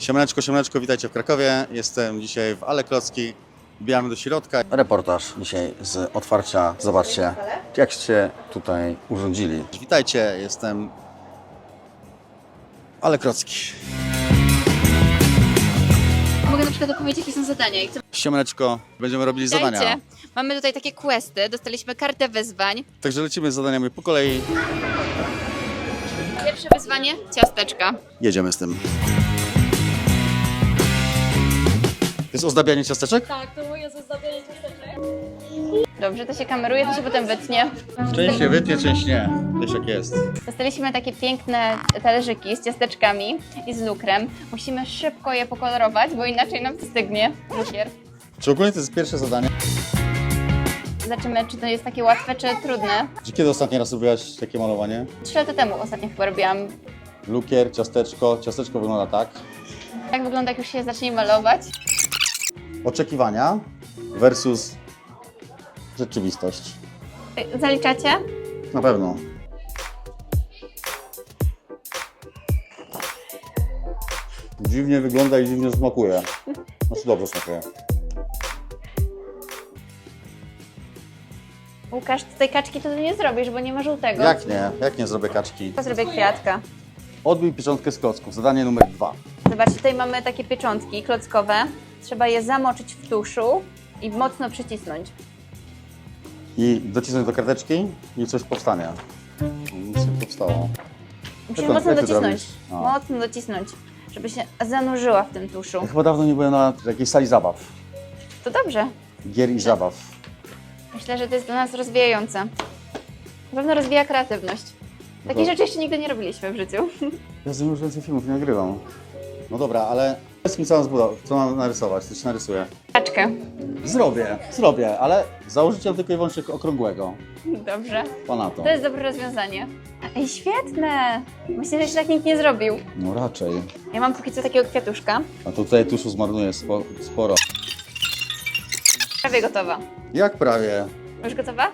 Siemaneczko, siemaneczko, witajcie w Krakowie. Jestem dzisiaj w Ale Klocki. Wbijamy do środka. Reportaż dzisiaj z otwarcia. Zobaczcie, jak się tutaj urządzili. Witajcie, jestem Ale Klocki. Mogę na przykład opowiedzieć, jakie są zadania. Siemaneczko, będziemy robili zadania. Mamy tutaj takie questy, dostaliśmy kartę wyzwań. Także lecimy z zadaniami po kolei. Pierwsze wyzwanie, ciasteczka. Jedziemy z tym. To jest ozdabianie ciasteczek? Tak, to moje zozdabianie ciasteczek. Dobrze, to się kameruje, to się potem wytnie. Część się wytnie, część nie. Wiesz jak jest. Dostaliśmy takie piękne talerzyki z ciasteczkami i z lukrem. Musimy szybko je pokolorować, bo inaczej nam wystygnie lukier. Czy ogólnie to jest pierwsze zadanie? Zobaczymy, czy to jest takie łatwe, czy trudne. Czy kiedy ostatni raz robiłaś takie malowanie? 3 lata temu ostatnio chyba robiłam. Lukier, ciasteczko. Ciasteczko wygląda tak. Tak wygląda, jak już się zacznie malować. Oczekiwania versus rzeczywistość. Zaliczacie? Na pewno. Dziwnie wygląda i dziwnie smakuje. Znaczy dobrze smakuje. Łukasz, tej kaczki to ty nie zrobisz, bo nie ma żółtego. Jak nie? Jak nie zrobię kaczki? To zrobię kwiatka. Odbij pieczątkę z klocków. Zadanie numer 2. Zobacz, tutaj mamy takie pieczątki klockowe. Trzeba je zamoczyć w tuszu i mocno przycisnąć. I docisnąć do karteczki i coś powstanie. Nic nie powstało. Musimy Jak mocno to docisnąć. zrobisz? A. Mocno docisnąć, żeby się zanurzyła w tym tuszu. Ja chyba dawno nie byłem na jakiejś sali zabaw. To dobrze. Gier i zabaw. Myślę, że to jest dla nas rozwijające. Na pewno rozwija kreatywność. Takich rzeczy jeszcze nigdy nie robiliśmy w życiu. Ja z tym już więcej filmów nie nagrywam. No dobra, ale powiedz mi co mam zbudować, co mam narysować, coś narysuję. Kaczkę. Zrobię, ale założyciel tylko i wyłącznie okrągłego. Dobrze. Ponadto. To jest dobre rozwiązanie. Ej, świetne! Myślę, że jeszcze tak nikt nie zrobił. No raczej. Ja mam póki co takiego kwiatuszka. A tutaj tuszu zmarnuję sporo. Prawie gotowa. Jak prawie? Już gotowa?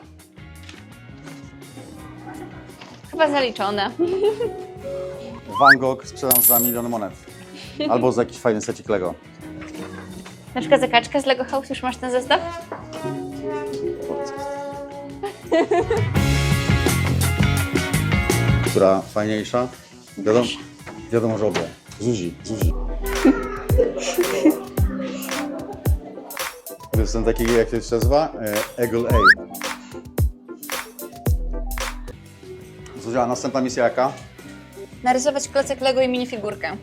Chyba zaliczone. Van Gogh sprzedam za 1 000 000 monet. Albo za jakiś fajny secik Lego. Na przykład za kaczkę z Lego House już masz ten zestaw? Która fajniejsza? Wiadomo, że obie. Zuzi. To jest ten taki, jak to się nazywa? Eagle A. Zuzia, następna misja jaka? Narysować klocek Lego i minifigurkę.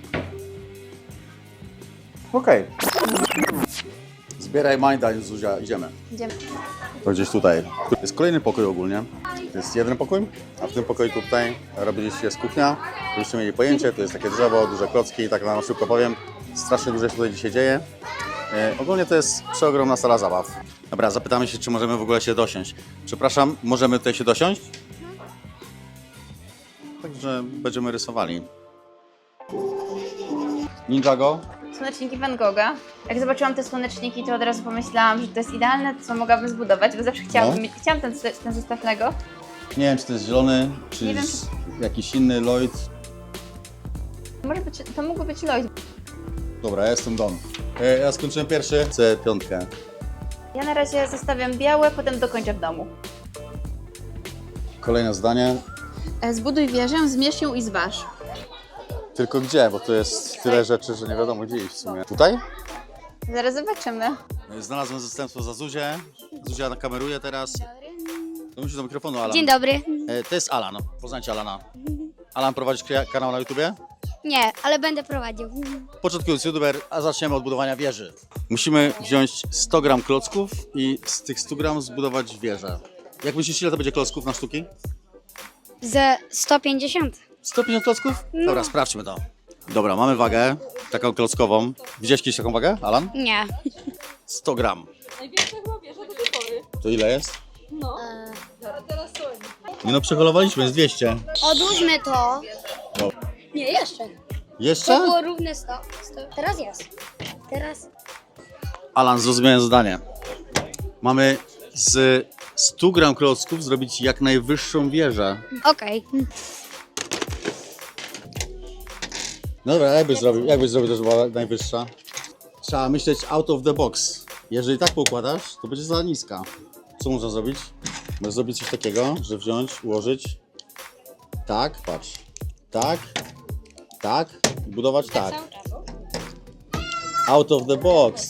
Okej. Zbieraj Majda, Zuzia, idziemy. Idziemy. To gdzieś tutaj. To jest kolejny pokój ogólnie. To jest jeden pokój, a w tym pokoju tutaj robiliście jest kuchnia. Żebyście mieli pojęcie, to jest takie drzewo, duże klocki i tak na szybko powiem. Strasznie dużo się tutaj dzisiaj dzieje. Ogólnie to jest przeogromna sala zabaw. Dobra, zapytamy się, czy możemy w ogóle się dosiąść. Przepraszam, możemy tutaj się dosiąść? Także będziemy rysowali. Ninjago. Słoneczniki Van Gogha. Jak zobaczyłam te słoneczniki, to od razu pomyślałam, że to jest idealne, co mogłabym zbudować, bo zawsze chciałam ten zestaw Lego. Nie wiem, czy to jest zielony, czy Nie wiem, jakiś inny Lloyd. Może być, to mógłby być Lloyd. Dobra, ja jestem Don. Ja skończyłem pierwszy. Chcę 5. Ja na razie zostawiam białe, potem dokończę w domu. Kolejne zdanie. Zbuduj wieżę, zmierz ją i zważ. Tylko gdzie? Bo tu jest tyle rzeczy, że nie wiadomo gdzie iść w sumie. Tutaj? Zaraz zobaczymy. Znalazłem zastępstwo za Zuzię. Zuzia nakameruje teraz. To musisz do mikrofonu, Alan. Dzień dobry. To jest Alan. Poznajcie Alana. Alan, prowadzisz kanał na YouTubie? Nie, ale będę prowadził. Początkujący YouTuber, a zaczniemy od budowania wieży. Musimy wziąć 100 gram klocków i z tych 100 gram zbudować wieżę. Jak myślisz, ile to będzie klocków na sztuki? Ze 150. 150 klocków? Dobra, sprawdźmy to. Dobra, mamy wagę, taką klockową. Widziałeś kiedyś taką wagę, Alan? Nie. 100 gram. Największa chyba wieża do tej pory. To ile jest? No. A teraz co? Nie no, przeholowaliśmy, jest 200. Odłóżmy to. No. Nie, jeszcze. To Jeszcze? było równe 100. Teraz jest. Teraz. Alan, zrozumiałem zadanie. Mamy z 100 gram klocków zrobić jak najwyższą wieżę. Okej. No dobra, jakbyś zrobił, to żeby była najwyższa? Trzeba myśleć out of the box. Jeżeli tak poukładasz, to będzie za niska. Co można zrobić? Możesz zrobić coś takiego, że wziąć, ułożyć. Tak, patrz. Tak, tak i budować tak. Cały czas. Out of the box.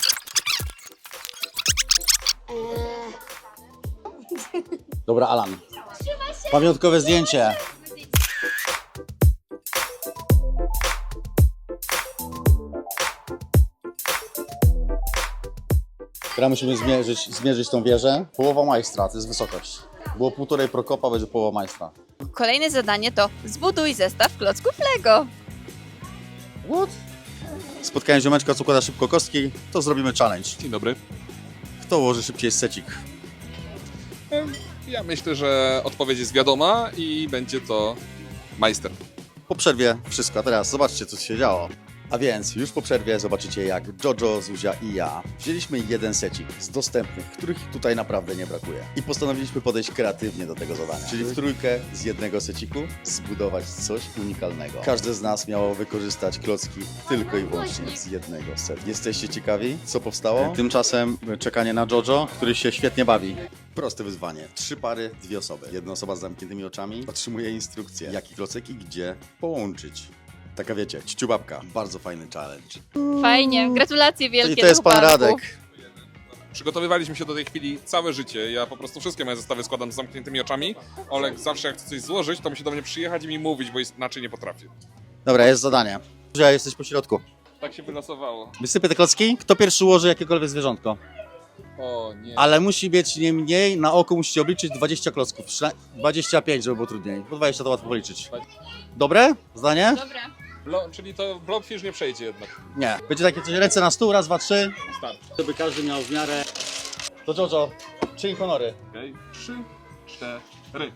Dobra, Alan. Pamiątkowe zdjęcie. Teraz musimy zmierzyć tą wieżę. Połowa majstra, to jest wysokość. Było 1,5 prokopa, będzie połowa majstra. Kolejne zadanie to zbuduj zestaw klocków Lego. What? Spotkałem ziomeczka, co układa szybko kostki, to zrobimy challenge. Dzień dobry. Kto ułoży szybciej secik? Ja myślę, że odpowiedź jest wiadoma i będzie to majster. Po przerwie wszystko, a teraz zobaczcie, co się działo. A więc już po przerwie zobaczycie, jak Jojo, Zuzia i ja wzięliśmy jeden secik z dostępnych, których tutaj naprawdę nie brakuje. I postanowiliśmy podejść kreatywnie do tego zadania. Czyli w trójkę z jednego seciku zbudować coś unikalnego. Każdy z nas miało wykorzystać klocki tylko i wyłącznie z jednego setu. Jesteście ciekawi, co powstało? Tymczasem czekanie na Jojo, który się świetnie bawi. Proste wyzwanie. 3 pary, 2 osoby. Jedna osoba z zamkniętymi oczami otrzymuje instrukcję, jaki klocek i gdzie połączyć. Taka wiecie, ciuciubabka. Bardzo fajny challenge. Fajnie, gratulacje wielkie. I to jest do pan chłopaków. Radek. Przygotowywaliśmy się do tej chwili całe życie. Ja po prostu wszystkie moje zestawy składam z zamkniętymi oczami. Olek zawsze jak chce coś złożyć, to musi do mnie przyjechać i mi mówić, bo inaczej nie potrafię. Dobra, jest zadanie. Zuzia, jesteś po środku. Tak się wylosowało. Wysypię te klocki. Kto pierwszy ułoży jakiekolwiek zwierzątko? O nie. Ale musi być nie mniej, na oko musicie obliczyć 20 klocków. 25, żeby było trudniej. Bo 20 to łatwo policzyć. Dobre? Zdanie? Dobra. Czyli to blobfish nie przejdzie jednak. Nie. Będzie takie coś, ręce na stół, raz, dwa, 3. Start. Żeby każdy miał w miarę... To Jojo, czyń honory. Okej. 3, 4.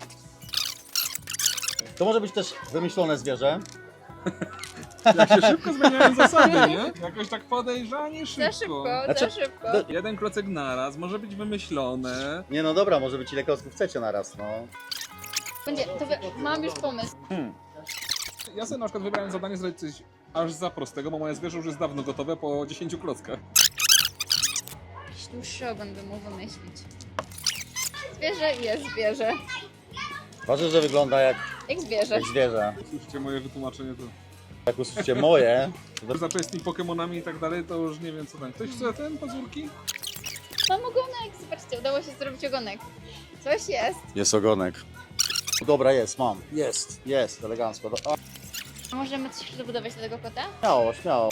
To może być też wymyślone zwierzę. Jak się szybko zmieniają zasady, nie? Jakoś tak podejrzanie Za szybko. szybko, Znaczy, za szybko. Jeden klocek naraz, może być wymyślone. Nie no dobra, może być ile klocków chcecie naraz, no. Mam już pomysł. Ja sobie na przykład wybrałem zadanie zrobić coś aż za prostego, bo moje zwierzę już jest dawno gotowe po 10 klockach. Jakiś dłuższy ogon bym mógł wymyślić. Zwierzę jest zwierzę. Ważne, że wygląda jak Jak zwierzę. Słyszycie moje wytłumaczenie, to... Jak usłyszycie moje, Zacząć z tymi Pokemonami i tak dalej, to już nie wiem co tam. Ktoś chce ten pazurki? Mam ogonek, zobaczcie, udało się zrobić ogonek. Coś jest. jest ogonek. Dobra, jest, mam. Jest, elegancko. A możemy coś dobudować do tego kota? Śmiało, śmiało.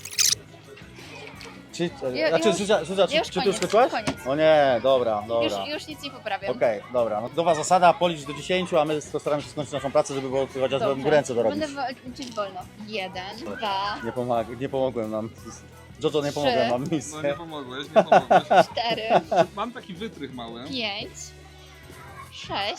Czy, Ja już- Zuzia, ja już czy ty koniec, już skończyłaś? koniec. O nie, dobra. Już nic nie poprawiam. Okej, dobra. No, nowa zasada, policz do 10, a my postaramy się skończyć naszą pracę, żeby było chociaż Dobrze. ręce dorobić. Będę liczyć wolno. 1, 2, Nie pomogłem nam. Jojo, nie 3. pomogłem nam No nie misję. pomogłeś, nie pomogłeś. 4, Mam taki wytrych mały. 5, 6,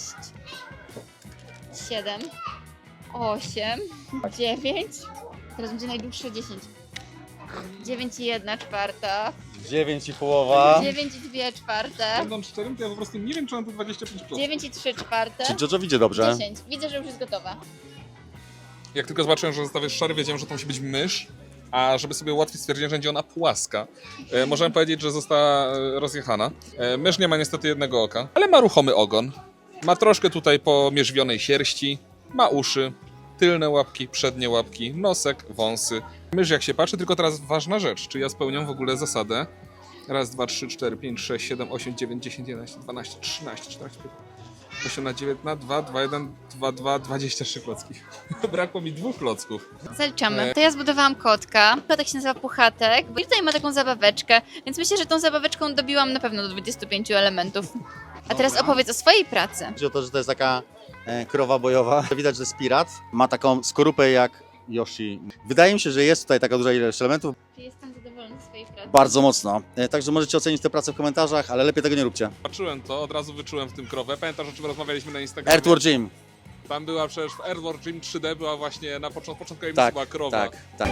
7, 8, 9. Teraz będzie najdłuższe 10. 9 i 1/4. 9 i połowa. 9 i 2/4. Będąc szczerym, to ja po prostu nie wiem, czy mam tu 25 klocków. 9 i 3/4. Czy Jojo widzi dobrze? 10. Widzę, że już jest gotowa. Jak tylko zobaczyłem, że zestaw jest szary, wiedziałem, że to musi być mysz. A żeby sobie ułatwić stwierdzenie, że będzie ona płaska, możemy powiedzieć, że została rozjechana. Mysz nie ma niestety jednego oka, ale ma ruchomy ogon. Ma troszkę tutaj pomierzwionej sierści, ma uszy, tylne łapki, przednie łapki, nosek, wąsy. Mysz jak się patrzy, tylko teraz ważna rzecz, czy ja spełniam w ogóle zasadę. Raz, 2, 3, 4, 5, 6, 7, 8, 9, 10, 11, 12, 13, 14, 15, 18, 19, 2, 2, 1, 2, 2, 23 klocki. Brakło mi 2 klocków. Zaliczamy. To ja zbudowałam kotka. Kotek się nazywa Puchatek. I tutaj ma taką zabaweczkę, więc myślę, że tą zabaweczką dobiłam na pewno do 25 elementów. A teraz Dobra. opowiedz o swojej pracy. Chodzi o to, że to jest taka krowa bojowa. Widać, że jest pirat. Ma taką skorupę jak Yoshi. Wydaje mi się, że jest tutaj taka duża ilość elementów. Czy jestem zadowolona ze swojej pracy? Bardzo mocno. Także możecie ocenić tę pracę w komentarzach, ale lepiej tego nie róbcie. Patrzyłem to, od razu wyczułem w tym krowę. Pamiętasz, o czym rozmawialiśmy na Instagramie? Earthworm Jim. Tam była przecież w Earthworm Jim 3D, była właśnie na początku Tak, była krowa. tak, tak.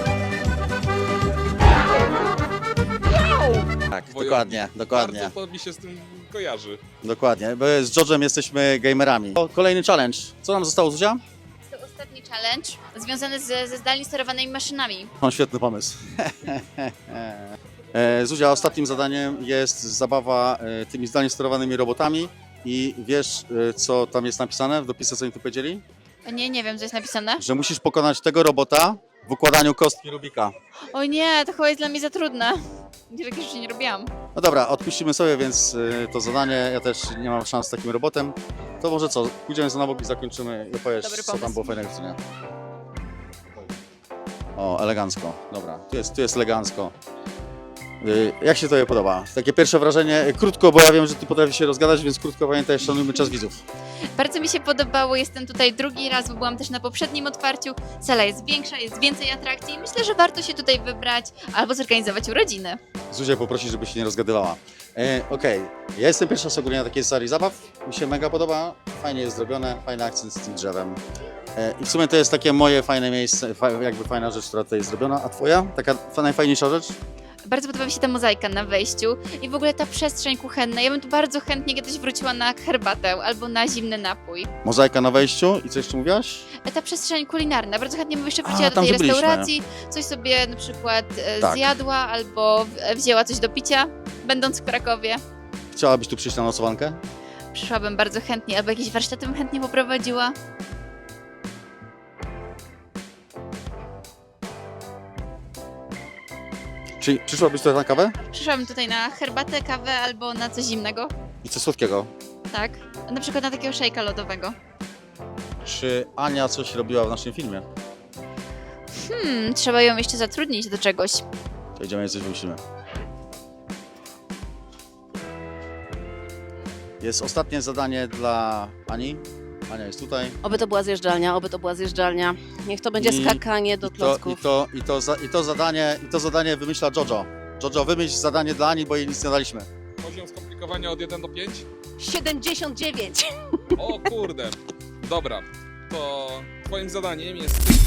Tak, Wojownik. dokładnie, dokładnie, Bardzo to mi się z tym kojarzy. dokładnie. Bo z George'em jesteśmy gamerami. Kolejny challenge. Co nam zostało, Zuzia? To ostatni challenge związany ze zdalnie sterowanymi maszynami. Mam świetny pomysł. Zuzia, ostatnim zadaniem jest zabawa tymi zdalnie sterowanymi robotami i wiesz, co tam jest napisane w dopisie, co oni tu powiedzieli? Nie wiem, co jest napisane. Że musisz pokonać tego robota w układaniu kostki Rubika. O nie, to chyba jest dla mnie za trudne. Takiej rzeczy nie robiłam. No dobra, odpuścimy sobie, więc to zadanie, ja też nie mam szans z takim robotem. To może co, pójdziemy za na bok i zakończymy i opowiesz, Dobry co tam pomysł. było fajnego, co nie? O, elegancko, dobra, tu jest elegancko. Jak się tobie podoba? Takie pierwsze wrażenie, krótko, bo ja wiem, że ty potrafisz się rozgadać, więc krótko pamiętaj, szanujmy czas widzów. Bardzo mi się podobało, jestem tutaj drugi raz, bo byłam też na poprzednim otwarciu. Sala jest większa, jest więcej atrakcji. Myślę, że warto się tutaj wybrać albo zorganizować urodziny. Zuzię poprosi, żeby się nie rozgadywała. Okej, ja jestem pierwszy raz ogólnie na takiej serii zabaw, mi się mega podoba, fajnie jest zrobione, fajny akcent z tym drzewem. I w sumie to jest takie moje fajne miejsce, jakby fajna rzecz, która tutaj jest zrobiona, a twoja? Taka najfajniejsza rzecz? Bardzo podoba mi się ta mozaika na wejściu i w ogóle ta przestrzeń kuchenna. Ja bym tu bardzo chętnie kiedyś wróciła na herbatę albo na zimny napój. Mozaika na wejściu i co jeszcze mówiłaś? Ta przestrzeń kulinarna. Bardzo chętnie bym jeszcze A, wróciła do tam, tej gdzie byliśmy. restauracji, coś sobie na przykład Tak. zjadła albo wzięła coś do picia, będąc w Krakowie. Chciałabyś tu przyjść na nocowankę? Przyszłabym bardzo chętnie, albo jakieś warsztaty bym chętnie poprowadziła. Czy przyszłabyś tutaj na kawę? Przyszłabym tutaj na herbatę, kawę albo na coś zimnego. I coś słodkiego? Tak. Na przykład na takiego szejka lodowego. Czy Ania coś robiła w naszym filmie? Trzeba ją jeszcze zatrudnić do czegoś. To idziemy i coś wymyślimy. Jest ostatnie zadanie dla Ani. Ania jest tutaj. Oby to była zjeżdżalnia, oby to była zjeżdżalnia. Niech to będzie I- skakanie do klocków. I to zadanie wymyśla Jojo. Jojo, wymyśl zadanie dla Ani, bo jej nic nie daliśmy. Poziom skomplikowania od 1 do 5? 79. O kurde. Dobra, to twoim zadaniem jest